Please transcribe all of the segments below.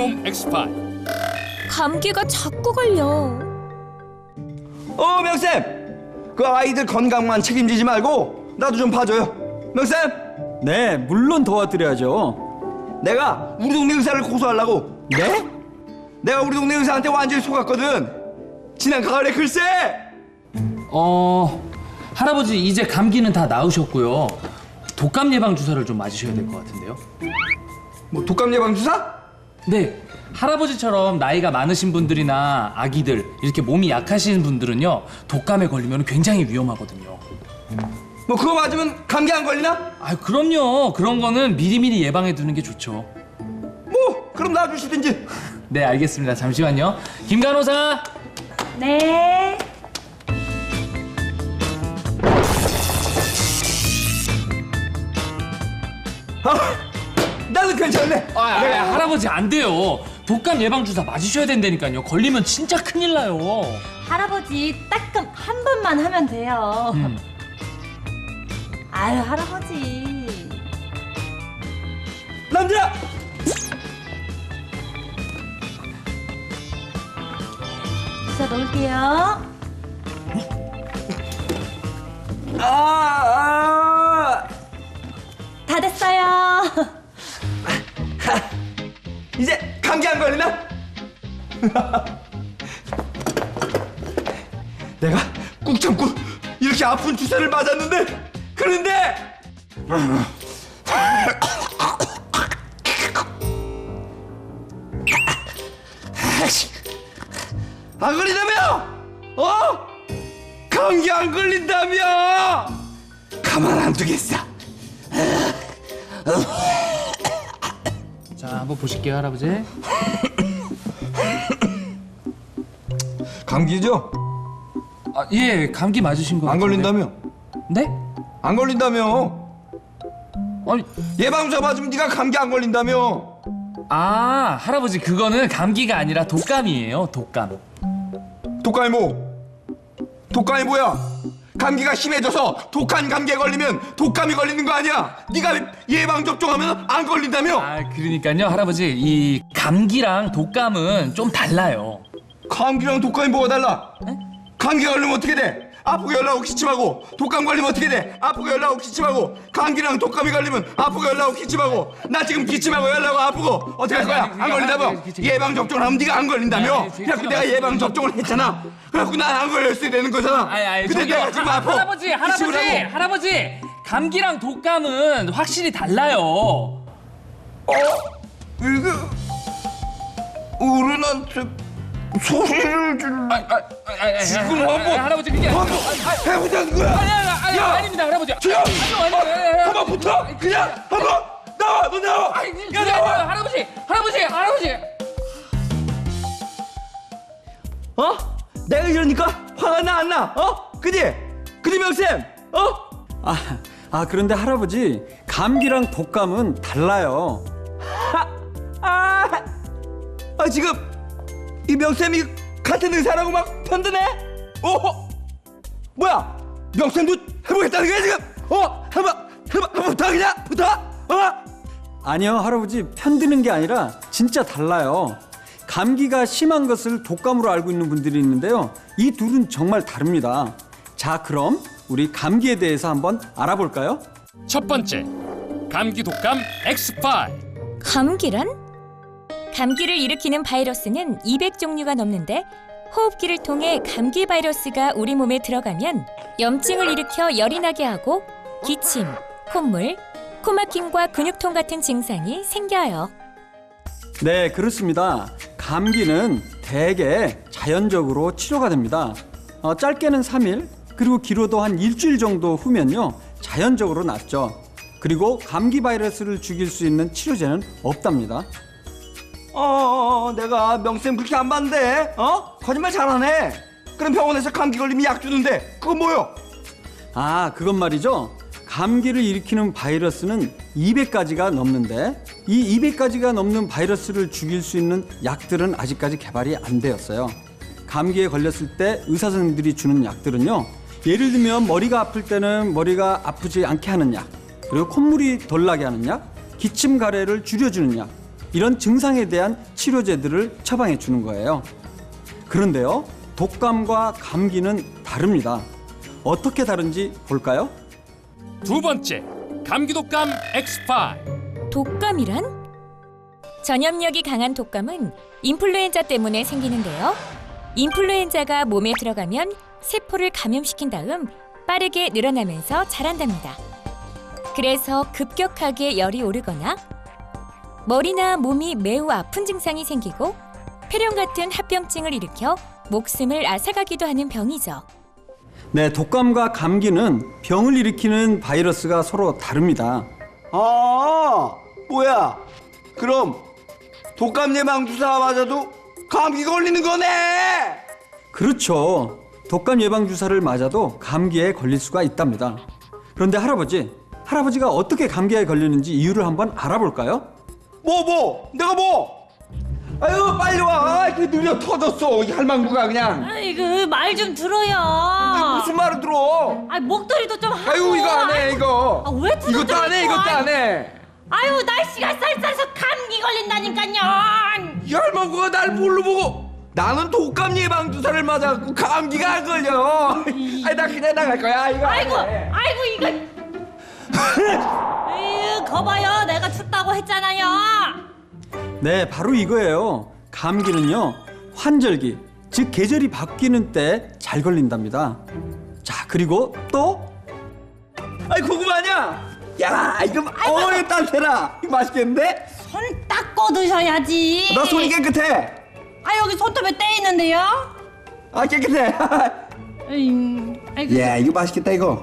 독감 X5. 감기가 자꾸 걸려. 명쌤! 그 아이들 건강만 책임지지 말고 나도 좀 봐줘요. 명쌤! 네, 물론 도와드려야죠. 내가 우리 동네 의사를 고소하려고. 네? 내가 우리 동네 의사한테 완전히 속았거든. 지난 가을에 글쎄! 할아버지 이제 감기는 다 나으셨고요. 독감 예방 주사를 좀 맞으셔야 될 것 같은데요. 뭐 독감 예방 주사? 네, 할아버지처럼 나이가 많으신 분들이나 아기들 이렇게 몸이 약하신 분들은요 독감에 걸리면 굉장히 위험하거든요. 뭐 그거 맞으면 감기 안 걸리나? 아, 그럼요. 그런 거는 미리미리 예방해 두는 게 좋죠. 뭐 그럼 놔주시든지. 네, 알겠습니다. 잠시만요. 김 간호사. 네. 나는 괜찮네. 할아버지 안 돼요. 독감 예방 주사 맞으셔야 된다니까요. 걸리면 진짜 큰일 나요. 할아버지 따끔 한 번만 하면 돼요. 아유 할아버지. 남자! 주사 넣을게요. 다 됐어요. 이제 감기 안 걸리나? 내가 꾹 참고 이렇게 아픈 주사를 맞았는데 그런데 안 걸린다며? 감기 안 걸린다며? 가만 안 두겠어. 자, 한번 보실게요, 할아버지. 감기죠? 아, 예, 감기 맞으신 거 안 같은데. 걸린다며? 네? 안 걸린다며? 아니, 예방주사 맞으면 네가 감기 안 걸린다며? 할아버지 그거는 감기가 아니라 독감이에요. 독감. 독감이 뭐? 독감이 뭐야? 감기가 심해져서 독한 감기에 걸리면 독감이 걸리는 거 아니야? 네가 예방 접종하면 안 걸린다며? 그러니까요, 할아버지 이 감기랑 독감은 좀 달라요. 감기랑 독감이 뭐가 달라? 감기 걸리면 어떻게 돼? 아프고 열나고 기침하고. 독감 걸리면 어떻게 돼? 아프고 열나고 기침하고. 감기랑 독감이 걸리면 아프고 열나고 기침하고. 나 지금 기침하고 열나고 아프고 어떻게 할 거야? 안 걸린다며? 예방 접종을 하면 네가 안 걸린다며? 그래갖고 내가 예방 접종을 했잖아. 그래갖고 난 안 걸렸어야 되는 거잖아. 근데 내가 지금 아파. 할아버지 감기랑 독감은 확실히 달라요. 이게 어른한테 소리를 지르. 지금 한번 할아버지 그게 해보자는 거야. 야! 아닙니다, 할아버지. 지금 한번 붙어. 그냥 한번 나와. 너 나와. 야 나와. 할아버지. 내가 이러니까 화가 나 안 나? 그지 명쌤? 그런데 할아버지, 감기랑 독감은 달라요. 지금 이 명쌤이 같은 의사라고 막 편드네? 뭐야? 명쌤도 해보겠다는 거야 지금? 한번 붙어 그냥 붙어? 아니요, 할아버지, 편드는 게 아니라 진짜 달라요. 감기가 심한 것을 독감으로 알고 있는 분들이 있는데요. 이 둘은 정말 다릅니다. 자, 그럼 우리 감기에 대해서 한번 알아볼까요? 첫 번째, 감기 독감 X5. 감기란? 감기를 일으키는 바이러스는 200종류가 넘는데 호흡기를 통해 감기 바이러스가 우리 몸에 들어가면 염증을 일으켜 열이 나게 하고 기침, 콧물, 코막힘과 근육통 같은 증상이 생겨요. 네, 그렇습니다. 감기는 대개 자연적으로 치료가 됩니다. 짧게는 3일, 그리고 길어도 한 일주일 정도 후면요, 자연적으로 낫죠. 그리고 감기 바이러스를 죽일 수 있는 치료제는 없답니다. 내가 명쌤 그렇게 안 봤는데 거짓말 잘하네. 그럼 병원에서 감기 걸리면 약 주는데 그건 뭐요? 그건 말이죠. 감기를 일으키는 바이러스는 200가지가 넘는데 이 200가지가 넘는 바이러스를 죽일 수 있는 약들은 아직까지 개발이 안 되었어요. 감기에 걸렸을 때 의사 선생님들이 주는 약들은요, 예를 들면 머리가 아플 때는 머리가 아프지 않게 하는 약, 그리고 콧물이 덜 나게 하는 약, 기침 가래를 줄여주는 약, 이런 증상에 대한 치료제들을 처방해 주는 거예요. 그런데요, 독감과 감기는 다릅니다. 어떻게 다른지 볼까요? 두 번째, 감기 독감 X5. 독감이란? 전염력이 강한 독감은 인플루엔자 때문에 생기는데요. 인플루엔자가 몸에 들어가면 세포를 감염시킨 다음 빠르게 늘어나면서 자란답니다. 그래서 급격하게 열이 오르거나 머리나 몸이 매우 아픈 증상이 생기고 폐렴 같은 합병증을 일으켜 목숨을 앗아가기도 하는 병이죠. 네, 독감과 감기는 병을 일으키는 바이러스가 서로 다릅니다. 아, 뭐야? 그럼 독감 예방 주사 맞아도 감기 걸리는 거네. 그렇죠. 독감 예방 주사를 맞아도 감기에 걸릴 수가 있답니다. 그런데 할아버지가 어떻게 감기에 걸리는지 이유를 한번 알아볼까요? 내가 뭐? 아유, 빨리 와. 이렇게 느려 터졌어. 이 할망구가 그냥. 아이고 말 좀 들어요. 무슨 말을 들어? 아 목도리도 좀 하고. 아유, 이거 안 해, 이거. 아, 왜 뜯어져 이것도 안 해, 있어? 이것도 안 해. 아유 날씨가 쌀쌀해서 감기 걸린다니까요. 이 할망구가 날 뭘로 보고? 나는 독감 예방 주사를 맞아갖고 감기가 안 걸려. 아니, 나 그냥 나갈 거야. 이거. 안 아이고 해. 이거. 에휴 거봐요 내가 춥다고 했잖아요. 네, 바로 이거예요. 감기는요, 환절기, 즉 계절이 바뀌는 때 잘 걸린답니다. 자, 그리고 또 아이, 고구마냐? 야, 이거 이거 따뜻해라. 이거 맛있겠는데? 손 닦고 드셔야지. 나 손이 깨끗해. 아 여기 손톱에 때 있는데요. 아, 깨끗해. 아이고. 야, 이거 맛있겠다, 이거.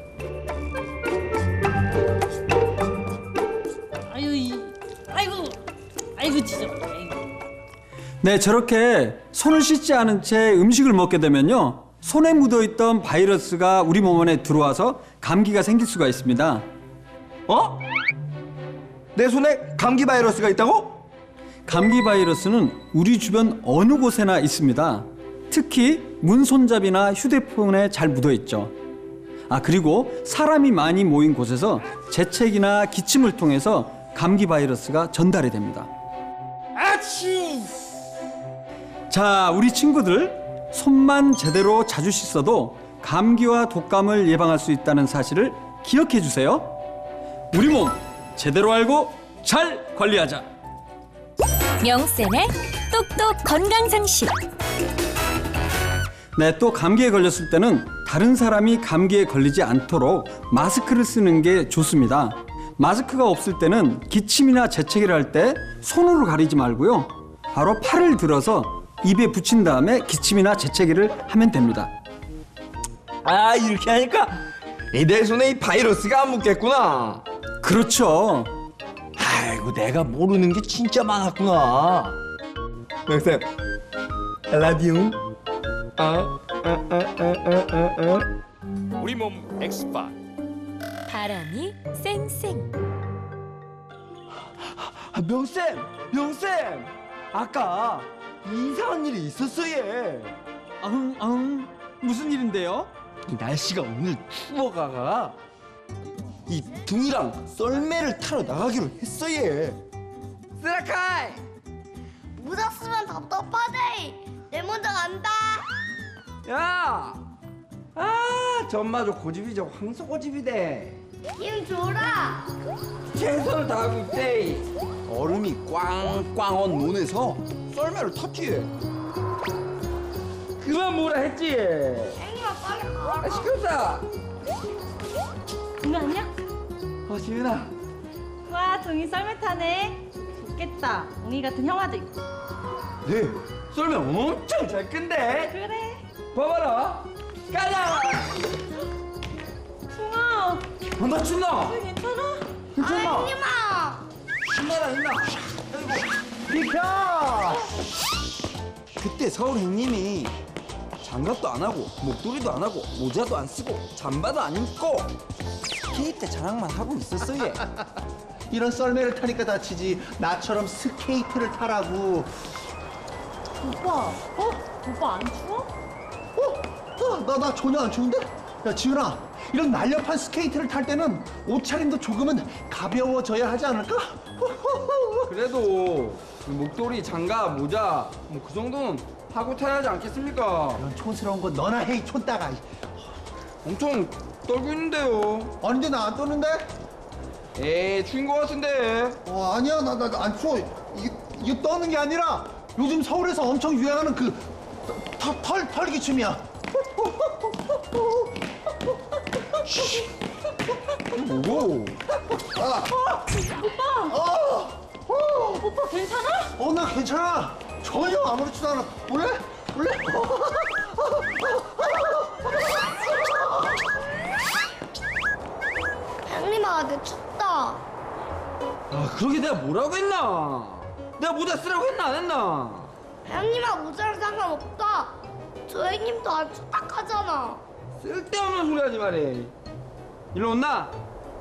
아이고 진짜. 네, 저렇게 손을 씻지 않은 채 음식을 먹게 되면요, 손에 묻어있던 바이러스가 우리 몸 안에 들어와서 감기가 생길 수가 있습니다. 어? 내 손에 감기 바이러스가 있다고? 감기 바이러스는 우리 주변 어느 곳에나 있습니다. 특히 문손잡이나 휴대폰에 잘 묻어있죠. 그리고 사람이 많이 모인 곳에서 재채기나 기침을 통해서 감기 바이러스가 전달이 됩니다. 아치! 자, 우리 친구들, 손만 제대로 자주 씻어도 감기와 독감을 예방할 수 있다는 사실을 기억해 주세요. 우리 몸 제대로 알고 잘 관리하자. 명쌤의 똑똑 건강상식. 네, 또 감기에 걸렸을 때는 다른 사람이 감기에 걸리지 않도록 마스크를 쓰는 게 좋습니다. 마스크가 없을 때는 기침이나 재채기를 할 때 손으로 가리지 말고요, 바로 팔을 들어서 입에 붙인 다음에 기침이나 재채기를 하면 됩니다. 아, 이렇게 하니까 내 손에 이 바이러스가 안 묻겠구나. 그렇죠. 아이고, 내가 모르는 게 진짜 많았구나. 명쌤, I love you. 우리 몸 X5. 바람이 쌩쌩. 명쌤, 아까 이상한 일이 있었어, 얘. 무슨 일인데요? 이 날씨가 오늘 추워가 이 둥이랑 썰매를 타러 나가기로 했어, 얘. 쓰라카이! 묻었으면 답답하대. 내 먼저 간다. 야! 전마저 고집이 저 황소 고집이대. 힘 줘라. 최선을 다하고 있대. 얼음이 꽝꽝한 논에서 썰매를 탔지. 그만 뭐라 했지. 앵이가 빨리 가. 시끄럽다. 동이 아니야? 지은아. 와 동이 썰매 타네. 좋겠다. 동이 같은 형아도 있고. 네, 썰매 엄청 잘 끈대. 그래. 봐봐라. 가자. 동아. 나 춘나. 괜찮아? 괜찮아. 형님아. 신나라 신나. 비켜. 그때 서울 형님이 장갑도 안 하고 목도리도 안 하고 모자도 안 쓰고 잠바도 안 입고 스케이트 자랑만 하고 있었어, 얘. 이런 썰매를 타니까 다치지. 나처럼 스케이트를 타라고. 오빠. 오빠 안 추워? 나 전혀 안 추운데? 야, 지은아, 이런 날렵한 스케이트를 탈 때는 옷차림도 조금은 가벼워져야 하지 않을까? 그래도 그 목도리, 장갑, 모자 뭐 그 정도는 하고 타야 하지 않겠습니까? 이런 촌스러운 거 너나 해, 이 촌따가. 엄청 떨고 있는데요. 아닌데 나 안 떠는데? 에이, 추운 거 같은데. 아니야, 나 안 추워. 이게 떠는 게 아니라 요즘 서울에서 엄청 유행하는 그 털기춤이야. 뭐고? 오빠 괜찮아? 나 괜찮아. 전혀 아무렇지도 않아. 볼래? 형님아, 내 춥다. 아, 그러게 내가 뭐라고 했나? 내가 모자 쓰라고 했나 안 했나? 형님아, 모자랑 상관없다. 저 형님도 안 춥다 하잖아. 쓸데없는 소리 하지 말해. 일로 온나?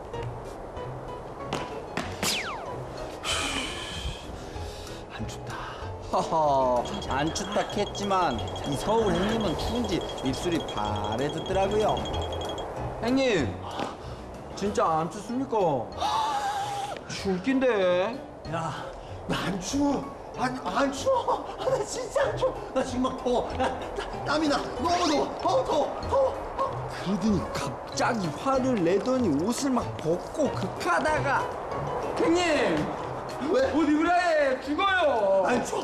안 춥다. 허허, 안 춥다 했지만 이 서울 형님은 추운지 입술이 바래졌더라고요. 형님, 진짜 안 춥습니까? 춥긴데. 야, 나 안 추워. 안 추워. 나 진짜 안 추워. 나 지금 막 더워. 땀이 나. 너무 더워. 그러더니 갑자기 화를 내더니 옷을 막 벗고 극하다가 형님, 왜? 옷 입으라 해. 죽어요. 안 추워.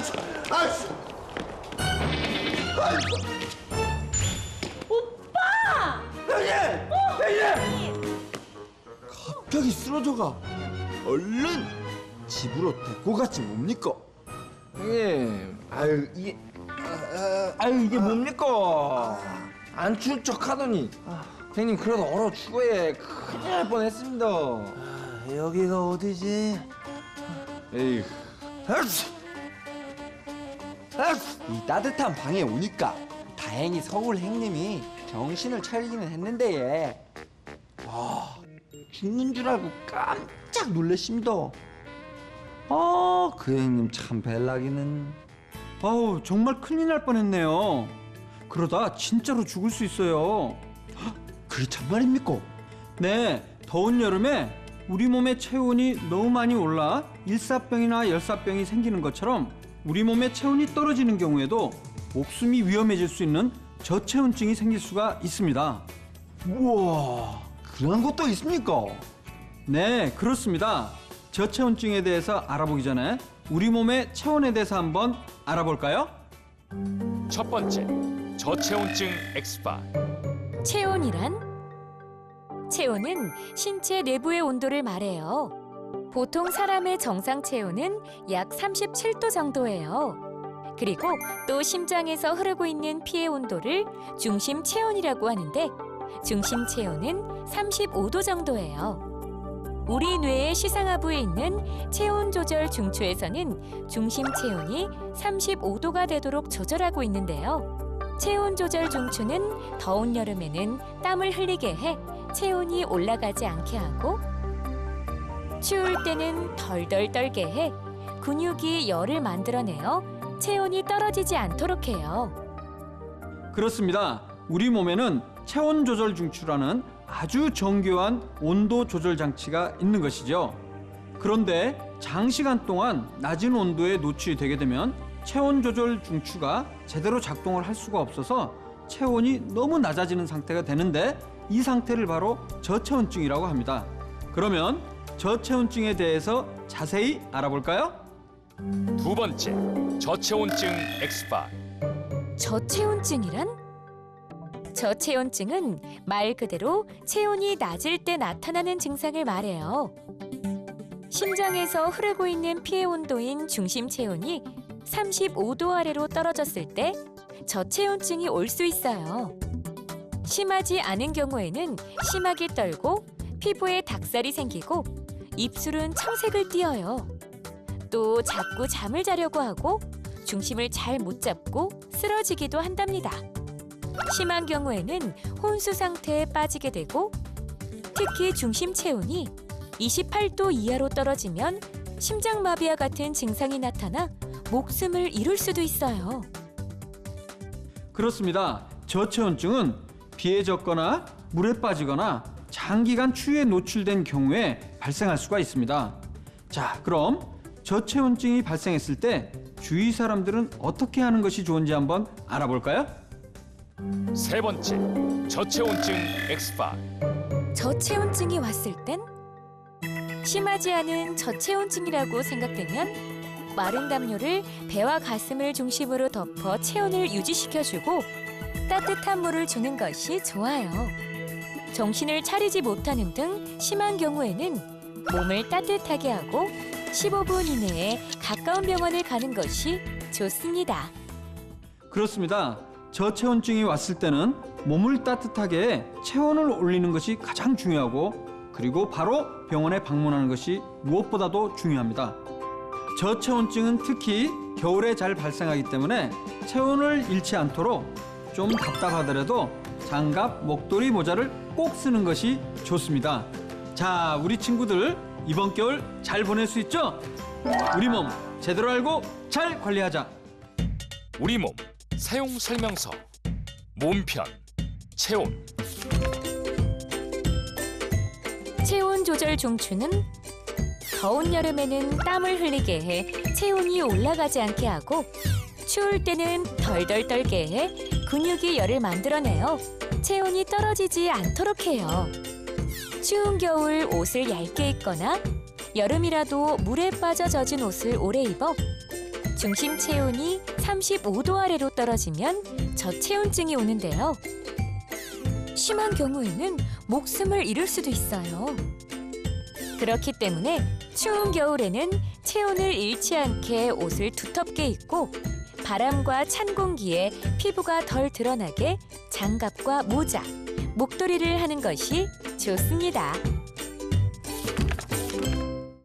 오빠! 형님! 갑자기 쓰러져가. 얼른 집으로 데리고 갔지 뭡니까? 형님, 아유 이게 뭡니까? 안 추운 척 하더니 형님 그래도 얼어 죽어야 큰일 날 뻔했습니다. 여기가 어디지? 에이, 이 따뜻한 방에 오니까 다행히 서울 형님이 정신을 차리기는 했는데 죽는 줄 알고 깜짝 놀랐습니다. 그 형님 참 벨라기는. 아우, 정말 큰일 날 뻔했네요. 그러다 진짜로 죽을 수 있어요. 그게 참말입니까? 네, 더운 여름에 우리 몸의 체온이 너무 많이 올라 일사병이나 열사병이 생기는 것처럼 우리 몸의 체온이 떨어지는 경우에도 목숨이 위험해질 수 있는 저체온증이 생길 수가 있습니다. 우와, 그런 것도 있습니까? 네, 그렇습니다. 저체온증에 대해서 알아보기 전에 우리 몸의 체온에 대해서 한번 알아볼까요? 첫 번째, 저체온증 X5. 체온은 신체 내부의 온도를 말해요. 보통 사람의 정상 체온은 약 37도 정도예요. 그리고 또 심장에서 흐르고 있는 피의 온도를 중심 체온이라고 하는데 중심 체온은 35도 정도예요. 우리 뇌의 시상하부에 있는 체온 조절 중추에서는 중심 체온이 35도가 되도록 조절하고 있는데요. 체온 조절 중추는 더운 여름에는 땀을 흘리게 해 체온이 올라가지 않게 하고 추울 때는 덜덜 떨게 해 근육이 열을 만들어내어 체온이 떨어지지 않도록 해요. 그렇습니다. 우리 몸에는 체온 조절 중추라는 아주 정교한 온도 조절 장치가 있는 것이죠. 그런데 장시간 동안 낮은 온도에 노출이 되게 되면 체온 조절 중추가 제대로 작동을 할 수가 없어서 체온이 너무 낮아지는 상태가 되는데 이 상태를 바로 저체온증이라고 합니다. 그러면 저체온증에 대해서 자세히 알아볼까요? 두 번째, 저체온증 X5. 저체온증이란? 저체온증은 말 그대로 체온이 낮을 때 나타나는 증상을 말해요. 심장에서 흐르고 있는 피의 온도인 중심 체온이 35도 아래로 떨어졌을 때 저체온증이 올 수 있어요. 심하지 않은 경우에는 심하게 떨고 피부에 닭살이 생기고 입술은 청색을 띠어요. 또 자꾸 잠을 자려고 하고 중심을 잘 못 잡고 쓰러지기도 한답니다. 심한 경우에는 혼수 상태에 빠지게 되고 특히 중심 체온이 28도 이하로 떨어지면 심장마비와 같은 증상이 나타나 목숨을 잃을 수도 있어요. 그렇습니다. 저체온증은 비에 젖거나 물에 빠지거나 장기간 추위에 노출된 경우에 발생할 수가 있습니다. 자, 그럼 저체온증이 발생했을 때 주위 사람들은 어떻게 하는 것이 좋은지 한번 알아볼까요? 세 번째, 저체온증 X파. 저체온증이 왔을 땐 심하지 않은 저체온증이라고 생각되면 마른 담요를 배와 가슴을 중심으로 덮어 체온을 유지시켜주고 따뜻한 물을 주는 것이 좋아요. 정신을 차리지 못하는 등 심한 경우에는 몸을 따뜻하게 하고 15분 이내에 가까운 병원에 가는 것이 좋습니다. 그렇습니다. 저체온증이 왔을 때는 몸을 따뜻하게 해 체온을 올리는 것이 가장 중요하고 그리고 바로 병원에 방문하는 것이 무엇보다도 중요합니다. 저체온증은 특히 겨울에 잘 발생하기 때문에 체온을 잃지 않도록 좀 답답하더라도 장갑, 목도리, 모자를 꼭 쓰는 것이 좋습니다. 자, 우리 친구들 이번 겨울 잘 보낼 수 있죠? 우리 몸 제대로 알고 잘 관리하자. 우리 몸 사용 설명서. 몸편, 체온. 체온 조절 종추는 더운 여름에는 땀을 흘리게 해 체온이 올라가지 않게 하고 추울 때는 덜덜 떨게 해 근육이 열을 만들어내어 체온이 떨어지지 않도록 해요. 추운 겨울 옷을 얇게 입거나 여름이라도 물에 빠져 젖은 옷을 오래 입어 중심 체온이 35도 아래로 떨어지면 저체온증이 오는데요. 심한 경우에는 목숨을 잃을 수도 있어요. 그렇기 때문에 추운 겨울에는 체온을 잃지 않게 옷을 두텁게 입고 바람과 찬 공기에 피부가 덜 드러나게 장갑과 모자, 목도리를 하는 것이 좋습니다.